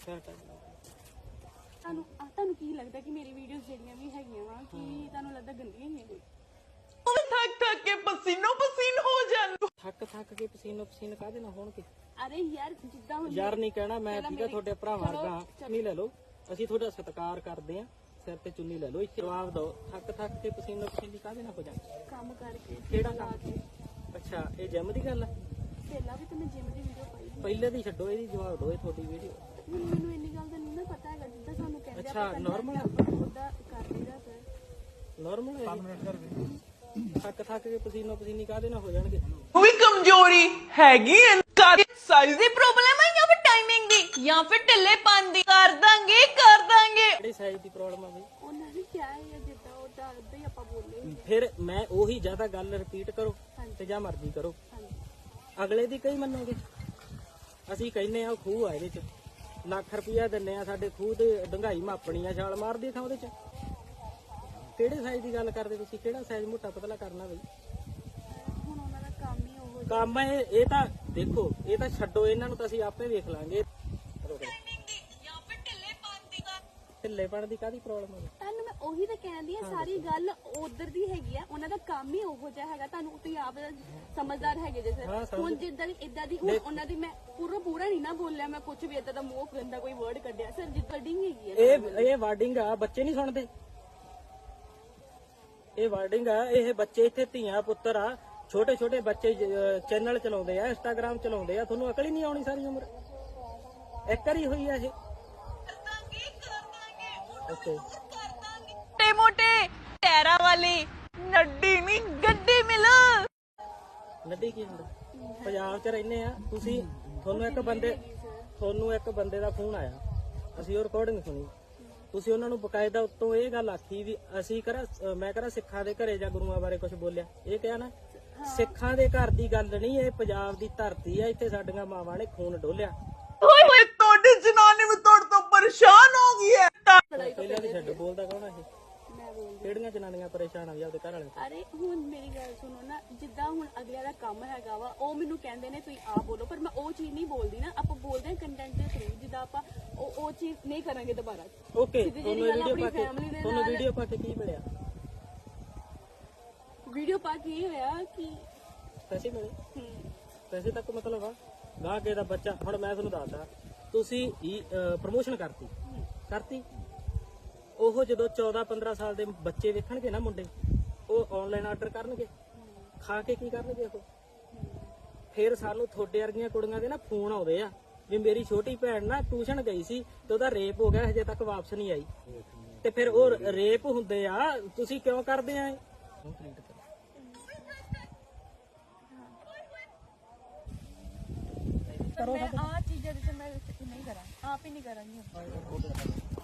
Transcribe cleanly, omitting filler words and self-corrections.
ਤੁਹਾਨੂੰ ਕੀ ਲੱਗਦਾ ਕਿ ਮੇਰੀ ਵੀਡੀਓਜ਼ ਜਿਹੜੀਆਂ ਵੀ ਹੈਗੀਆਂ ਵਾ ਕਿ ਤੁਹਾਨੂੰ ਲੱਗਦਾ ਗੰਦੀਆਂ ਹੀ ਕੋਈ ਥੱਕ ਕੇ ਪਸੀਨੋ ਪਸੀਨ ਹੋ ਜਾਣ ਥੱਕ ਕੇ ਪਸੀਨੋ ਪਸੀਨ ਕਾਹਦੇ ਨਾਲ ਹੋਣਗੇ। ਅਰੇ ਯਾਰ ਜਿੱਦਾਂ ਹੁਣ ਯਾਰ ਨਹੀਂ ਕਹਿਣਾ ਮੈਂ ਠੀਕ ਆ ਤੁਹਾਡੇ ਭਰਾਵਾਂ ਵਰਗਾ ਚੁੰਨੀ ਲੈ ਲਓ ਅਸੀਂ ਤੁਹਾਡਾ ਸਤਿਕਾਰ ਕਰਦੇ ਆ ਸਿਰ ਤੇ ਚੁੰਨੀ ਲੈ ਲਓ ਇੱਥੇ ਜਵਾਬ ਦਿਓ ਥੱਕ ਕੇ ਪਸੀਨੋ ਪਸੀਨੀ ਕਾਹਦੇ ਨਾਲ ਹੋ ਜਾਣ ਕੰਮ ਕਰਕੇ ਕਿਹੜਾ ਕੰਮ ਅੱਛਾ ਇਹ ਜਿਮ ਦੀ ਗੱਲ ਆ ਪਹਿਲਾਂ ਵੀ ਤਾਂ ਮੈਂ ਜਿਮ ਦੀ ਵੀਡੀਓ ਪਾਈ ਪਹਿਲੇ ਦੀ ਛੱਡੋ ਇਹਦੀ ਜਵਾਬ ਦਿਓ ਇਹ ਤੁਹਾਡੀ ਵੀਡੀਓ ਹੁਣ ਮੈਨੂੰ ਇੰਨੀ ਗੱਲ ਦਾ ਨਹੀਂ ਨਾ ਪਤਾ ਹੈਗਾ ਜਿੱਦਾਂ ਸਾਨੂੰ ਕਹਿੰਦੇ ਅੱਛਾ ਨਾਰਮਲ ਉਹਦਾ ਕਰ ਲਈਦਾ ਸਰ ਨਾਰਮਲ ਹੈ ਥੱਕ ਕੇ ਪਸੀਨੋ ਪਸੀਨੀ ਕਾਹਦੇ ਨਾਲ ਹੋ ਜਾਣਗੇ। ਉਹ ਵੀ ਕਮਜ਼ੋਰੀ ਹੈਗੀ ਸਾਈਜ਼ ਦੀ ਪ੍ਰੋਬਲਮ ਹੈ ਜਾਂ ਫਿਰ ਟਾਈਮਿੰਗ ਦੀ ਜਾਂ ਫਿਰ ਢਿੱਲੇਪਨ ਦੀ ਕਰ ਦਾਂਗੇ ਕਿਹੜੀ ਸਾਈਜ਼ ਦੀ ਪ੍ਰੋਬਲਮ ਆ ਬਈ ਉਹਨਾਂ ਨੇ ਕਿਹਾ ਹੈ ਜਿੱਦਾਂ ਉਹਦਾ ਉਦਾਂ ਹੀ ਆਪਾਂ ਬੋਲੇ ਫਿਰ ਮੈਂ ਉਹੀ ਜ਼ਿਆਦਾ ਗੱਲ ਰਿਪੀਟ ਕਰੋ ਤੇ ਜਾਂ ਮਰਜ਼ੀ ਕਰੋ ਅਗਲੇ ਦੀ ਕਈ ਮੰਨੋਗੇ ਅਸੀਂ ਕਹਿੰਨੇ ਆ ਖੂਹ ਆ ਇਹਦੇ ਚ ਲੱਖ ਰੁਪਇਆ ਦਿੰਨੇ ਆ ਸਾਡੇ ਖੂਹ ਦੇ ਡੰਗਾਈ ਮਾਪਣੀ ਆ ਛਾਲ ਮਾਰਦੀ ਥਾਂ ਉਹਦੇ ਚ ਕਿਹੜੇ ਸਾਈਜ਼ ਦੀ ਗੱਲ ਕਰਦੇ ਤੁਸੀਂ ਕਿਹੜਾ ਸਾਈਜ਼ ਮੋਟਾ ਪਤਲਾ ਕਰਨਾ ਬਈ ਹੁਣ ਉਹਨਾਂ ਦਾ ਕੰਮ ਹੀ ਉਹ ਕੰਮ ਇਹ ਤਾਂ ਦੇਖੋ ਇਹ ਤਾਂ ਛੱਡੋ ਇਹਨਾਂ ਨੂੰ ਤਾਂ ਅਸੀਂ ਆਪੇ ਵੇਖ ਲਾਂਗੇ ਢਿੱਲੇਪਣ ਦੀ ਕਾਹਦੀ ਪ੍ਰੋਬਲਮ ਹੈ ਤੁਹਾਨੂੰ ਮੈਂ ਉਹੀ ਤਾਂ ਕਹਿੰਦੀ ਆ ਸਾਰੀ ਗੱਲ ਉਧਰ ਦੀ ਹੈਗੀ ਆ ਉਹਨਾਂ ਦਾ ਕੰਮ ਹੀ ਉਹੋ ਜਿਹਾ ਹੈਗਾ ਤੁਹਾਨੂੰ ਤੁਸੀਂ ਆਪ ਸਮਝਦਾਰ ਹੈਗੇ ਜੇ ਸਰ ਹੁਣ ਜਿੱਦਾਂ ਦੀ ਇਦਾਂ ਦੀ ਹੁਣ ਉਹਨਾਂ ਦੀ ਮੈਂ ਪੂਰਾ ਨਹੀਂ ਨਾ ਬੋਲਿਆ ਮੈਂ ਕੁਝ ਵੀ ਇਦਾਂ ਦਾ ਮੂੰਹ ਗੰਦਾ ਕੋਈ ਵਰਡ ਕੱਢਿਆ ਸਰ ਜਿੱਦਾਂ ਵਰਡਿੰਗ ਹੈਗੀ ਆ ਇਹ ਵਾਰਡਿੰਗ ਆ ਬੱਚੇ ਨਹੀਂ ਸੁਣਦੇ ਇਹ ਵਾਰਡਿੰਗ ਆ ਇਹ ਬੱਚੇ ਇੱਥੇ ਧੀਆਂ ਪੁੱਤਰ ਆ ਛੋਟੇ ਛੋਟੇ ਬੱਚੇ ਚੈਨਲ ਚਲਾਉਂਦੇ ਆ ਇੰਸਟਾਗ੍ਰਾਮ ਚਲਾਉਂਦੇ ਆ ਤੁਹਾਨੂੰ ਅਕਲ ਹੀ ਨਹੀਂ ਆਉਣੀ ਸਾਰੀ ਉਮਰ ਇੱਕ ਵਾਰੀ ਹੋਈ ਆ ਇਹ ਮੋਟੇ ਮੋਟੇ ਟੈਰਾ ਵਾਲੀ ਨੱਡੀ ਨਹੀਂ ਗੱਡੀ ਮਿਲ ਨੱਡੀ ਕੀ ਹੁੰਦਾ ਪੰਜਾਬ 'ਚ ਰਹਿੰਦੇ ਆ ਤੁਸੀਂ ਤੁਹਾਨੂੰ ਇੱਕ ਬੰਦੇ ਦਾ ਫੋਨ ਆਇਆ ਅਸੀਂ ਉਹ ਰਿਕਾਰਡਿੰਗ ਸੁਣੀ ਤੁਸੀਂ ਉਹਨਾਂ ਨੂੰ ਬਕਾਇਦਾ ਉੱਤੋਂ ਇਹ ਗੱਲ ਆਖੀ ਵੀ ਅਸੀਂ ਮੈਂ ਕਰਾਂ ਸਿੱਖਾਂ ਦੇ ਘਰੇ ਜਾਂ ਗੁਰੂਆਂ ਬਾਰੇ ਕੁਝ ਬੋਲਿਆ ਇਹ ਕਿਹਾ ਨਾ ਸਿੱਖਾਂ ਦੇ ਘਰ ਦੀ ਗੱਲ ਨਹੀਂ ਇਹ ਪੰਜਾਬ ਦੀ ਧਰਤੀ ਆ ਇੱਥੇ ਸਾਡੀਆਂ ਮਾਵਾਂ ਨੇ ਖੂਨ ਡੋਲਿਆ ਓਏ ਤੁਹਾਡੀ ਜਨਾਨੀ ਵੀ ਤੁਹਾਡੇ ਤੋਂ ਪਰੇਸ਼ਾਨ ਹੋ ਗਈ ਹੈ ਪਹਿਲਾਂ ਦੀ ਛੱਡ ਬੋਲਦਾ ਕੌਣ ਆ ਇਹ ਮੈਂ ਬੋਲਦੀ ਕਿਹੜੀਆਂ ਜਨਾਨੀਆਂ ਪਰੇਸ਼ਾਨ ਆ ਵੀ ਆਪਦੇ ਘਰ ਵਾਲੇ ਅਰੇ ਹੁਣ ਮੇਰੀ ਗੱਲ ਸੁਣੋ ਨਾ ਜਿੱਦਾਂ ਹੁਣ ਅਗਲਿਆਂ ਦਾ ਕੰਮ ਹੈਗਾ ਵਾ ਉਹ ਮੈਨੂੰ ਕਹਿੰਦੇ ਨੇ ਤੁਸੀਂ ਆਪ ਬੋਲੋ ਪਰ ਮੈਂ ਉਹ ਚੀਜ਼ ਨਹੀਂ ਬੋਲਦੀ ਨਾ ਆਪਾਂ ਬੋਲਦੇ ਹਾਂ ਕੰਟੈਂਟ ਦੇ ਥਰੂ ਜਿੱਦਾਂ ਆਪਾਂ ਉਹ ਚੀਜ਼ ਨਹੀਂ ਕਰਾਂਗੇ ਦੁਬਾਰਾ ਓਕੇ ਤੁਹਾਨੂੰ ਵੀਡੀਓ ਪਾ ਕੇ ਕੀ ਮਿਲਿਆ ਵੀਡੀਓ ਪਾ ਕੇ ਇਹ ਹੋਇਆ ਕਿ ਪੈਸੇ ਮਿਲੇ ਪੈਸੇ ਤੱਕ ਮਤਲਬ ਆ ਗਾਹ ਕੇ ਦਾ ਬੱਚਾ ਹੁਣ ਮੈਂ ਤੁਹਾਨੂੰ ਦੱਸਦਾ ਤੁਸੀਂ ਪ੍ਰਮੋਸ਼ਨ ਕਰਤੀ ਉਹ ਜਦੋਂ 14-15 ਸਾਲ ਦੇ ਬੱਚੇ ਵੇਖਣਗੇ ਨਾ ਮੁੰਡੇ ਉਹ ਆਨਲਾਈਨ ਆਰਡਰ ਕਰਨਗੇ ਖਾ ਕੇ ਕੀ ਕਰਨਗੇ ਉਹ ਫਿਰ ਸਾਨੂੰ ਤੁਹਾਡੇ ਵਰਗੀਆਂ ਕੁੜੀਆਂ ਦੇ ਨਾ ਫੋਨ ਆਉਂਦੇ ਆ ਵੀ ਮੇਰੀ ਛੋਟੀ ਭੈਣ ਨਾ ਟਿਊਸ਼ਨ ਗਈ ਸੀ ਤੇ ਉਹਦਾ ਰੇਪ ਹੋ ਗਿਆ ਹਜੇ ਤੱਕ ਵਾਪਸ ਨਹੀਂ ਆਈ ਤੇ ਫਿਰ ਉਹ ਰੇਪ ਹੁੰਦੇ ਆ ਤੁਸੀਂ ਕਿਉਂ ਕਰਦੇ ਆ ਮੈਂ ਆ ਚੀਜ਼ਾਂ ਜਿਵੇਂ ਮੈਂ ਨਹੀਂ ਕਰਾਂ ਆਪ ਹੀ ਨਹੀਂ ਕਰਾਂਗੀ